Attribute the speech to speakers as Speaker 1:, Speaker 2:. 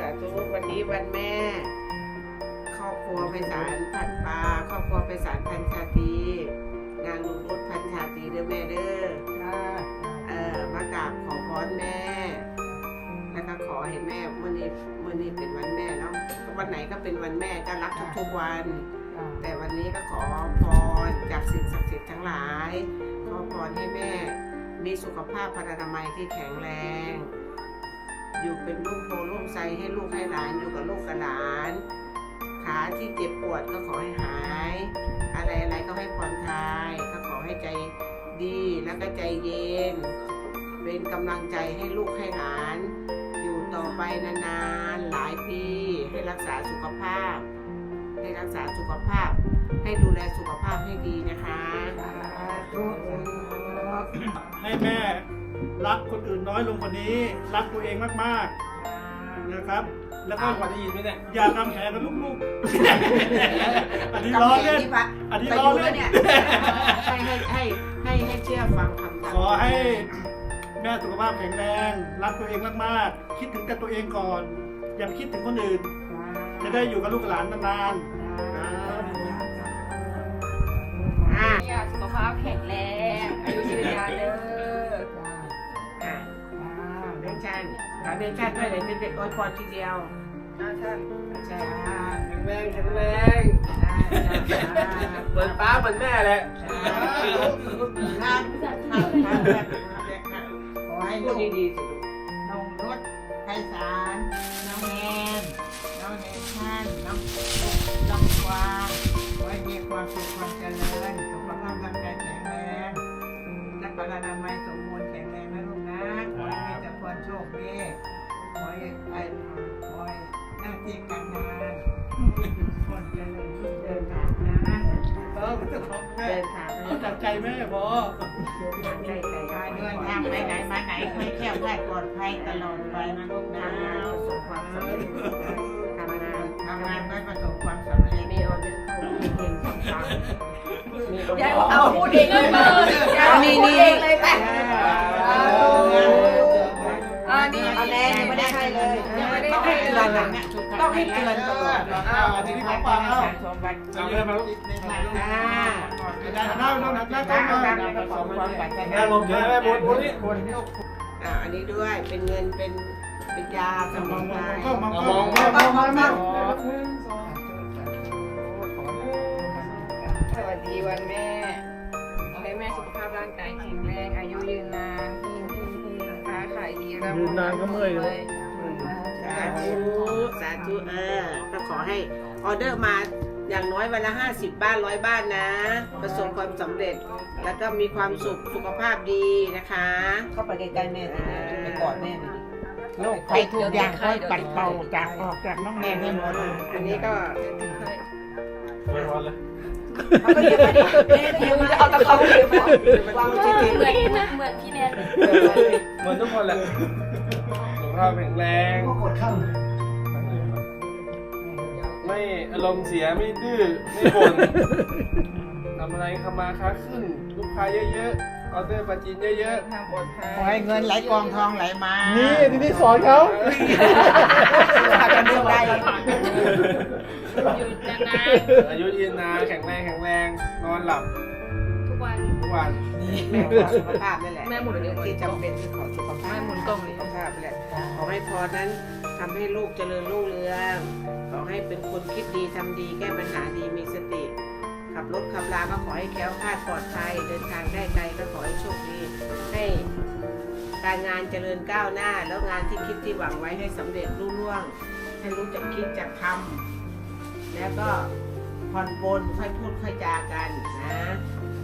Speaker 1: ธุวันนี้วันแม่ครอบครัวไพศาลพันปาครอบครัวไพศาลพันชาตรีนางลุงรุดพันชาตรีเด้อแม่เด้อมากราบขอพรแม่แล้วก็ขอให้แม่เมื่อนี้เป็นวันแม่เนาะวันไหนก็เป็นวันแม่ก็รักทุกๆวันแต่วันนี้ก็ขอพรจากสิ่งศักดิ์สิทธิ์ทั้งหลายขอพรให้แม่มีสุขภาพพรรณนามัยที่แข็งแรงอยู่เป็นลูกโพลูกไซให้ลูกให้หลานอยู่กับลูกกับหลานขาที่เจ็บปวดก็ขอให้หายอะไรก็ให้ผ่อนคลายก็ขอให้ใจดีแล้วก็ใจเย็นเป็นกำลังใจให้ลูกให้หลานอยู่ต่อไปนานๆหลายปีให้รักษาสุขภาพให้ดูแลสุขภาพให้ดีนะคะ
Speaker 2: ให้แม่รักคนอื่นน้อยลงกว่านี้รักตัวเองมากๆนะครับแล้วก็
Speaker 3: กว่าจะยินไหมเนี่ย
Speaker 2: อย่าทำแผลกับลูกๆอันนี้ล้อเล่นอันนี้ล้อเล่น
Speaker 1: เนี่ยให้เชื่อฟังคำ
Speaker 2: ขอให้แม่สุขภาพแข็งแรงรักตัวเองมากๆคิดถึงแต่ตัวเองก่อนอย่าคิดถึงคนอื่นจะได้อยู่กับลูกหลานนานๆ
Speaker 4: สุขภาพแข็งแรงอายุยืนยาวเด้อ
Speaker 1: เดินชันด้วยเลยเป็นเด็กอวยพรทีเดียว
Speaker 4: ท่าน
Speaker 1: ใช่
Speaker 3: แข็งแรงเหมือนป้าเหมือนแม่แหละ
Speaker 1: ขอให้ลูกดีๆสิ
Speaker 5: น้องรถไพศาลน้องแนน้องเนชั่นน้องกวางขอให้มีความสุขความเจริญสุขภาพร่างกายแข็งแรงและพลานามัยสมบูรณ์แข็งแรงนะลูกนะขอให้มีแต่ความโชคดีขอให้หน้าที่การงานคนเจริญรุ่งเรืองนะ
Speaker 2: มันจะของแม่จากใจแม่พอ
Speaker 5: เดินทางไปไหนมาไหนให้แข็งแรงปลอดภัยตลอดไปนะลูกนะประสบความสำเร็จทำงานไม่ประสบความสำเร็จ
Speaker 1: มีออเดอร์เข้าเก่งๆฟัง
Speaker 4: อย่าเอาพูดเองเลยนี่เลยไปนี่
Speaker 1: เอาแน่ไม่ได้ให้เลยต้องให้เตือนนะต้องให้เตือนตลอด
Speaker 2: ทีนี้ของฟังแล้ว
Speaker 3: จำได้ไหมลูก
Speaker 2: ได้ลงเยอะแม่บนนี่
Speaker 1: อันนี้ด้วยเป็นเงินเป็นยาสมุนไพร
Speaker 2: มอง
Speaker 4: สวัสดีวันแม่ขอให้แม่สุขภาพร่างกายแข็งแรงอายุยืนนานค้าขายดีร่ำรวย
Speaker 2: ยืนนานก็เมื่อยเลย
Speaker 1: สาธุก็ขอให้ออเดอร์มาอย่างน้อยวันละ50 บ้าน100 บ้านนะประสบความสำเร็จแล้วก็มีความสุขภาพดีนะคะ
Speaker 5: เข้าไปใกล้ๆแม่ไปกอดแม่โลกภัยทุกอย่างค่อยปัดเป่าจากออกจากน้องแนนให้หมด
Speaker 1: อันนี้ก็
Speaker 3: ไม่ร้อนเลย
Speaker 4: เขาก็ยังไม่ได้เอาตะเขาเก็บวางที่เหมือนพี่แนน
Speaker 3: เหมือนทุกคนแหละสุขภาพแข็งแรงไม่อารมณ์เสียไม่ดื้อไม่บ่นทำอะไรทำมาค้าขึ้นลูกค้าเยอะๆออเดอร์ปลาจีนเยอะๆทางปลอดภัย
Speaker 5: ขอให้เงินไหลกองทองไหลมา
Speaker 2: นี่ที่สอนเขา
Speaker 5: อาจจะเรื่องใด
Speaker 3: อายุยืนนานแข็งแรงนอนหลับ
Speaker 4: ทุกวัน
Speaker 1: แม่ขอสุขภาพนั่นแหละ
Speaker 4: แม่หมุนเดียว
Speaker 1: ที่จำเป็นที่ขอสุขภาพ
Speaker 4: แม่หมุนกล้องเลย
Speaker 1: สุขภาพแหละขอให้พรนั้นทำให้ลูกเจริญรุ่งเรืองขอให้เป็นคนคิดดีทำดีแก้ปัญหาดีมีสติขับรถขับราก็ขอให้แคล้วคลาดปลอดภัยเดินทางได้ไกลก็ขอให้โชคดีให้การงานเจริญก้าวหน้าแล้วงานที่คิดที่หวังไว้ให้สำเร็จรุ่งเรืองให้รู้จักคิดจักทำแล้วก็ผ่อนปลนค่อยพูดค่อยจากันนะ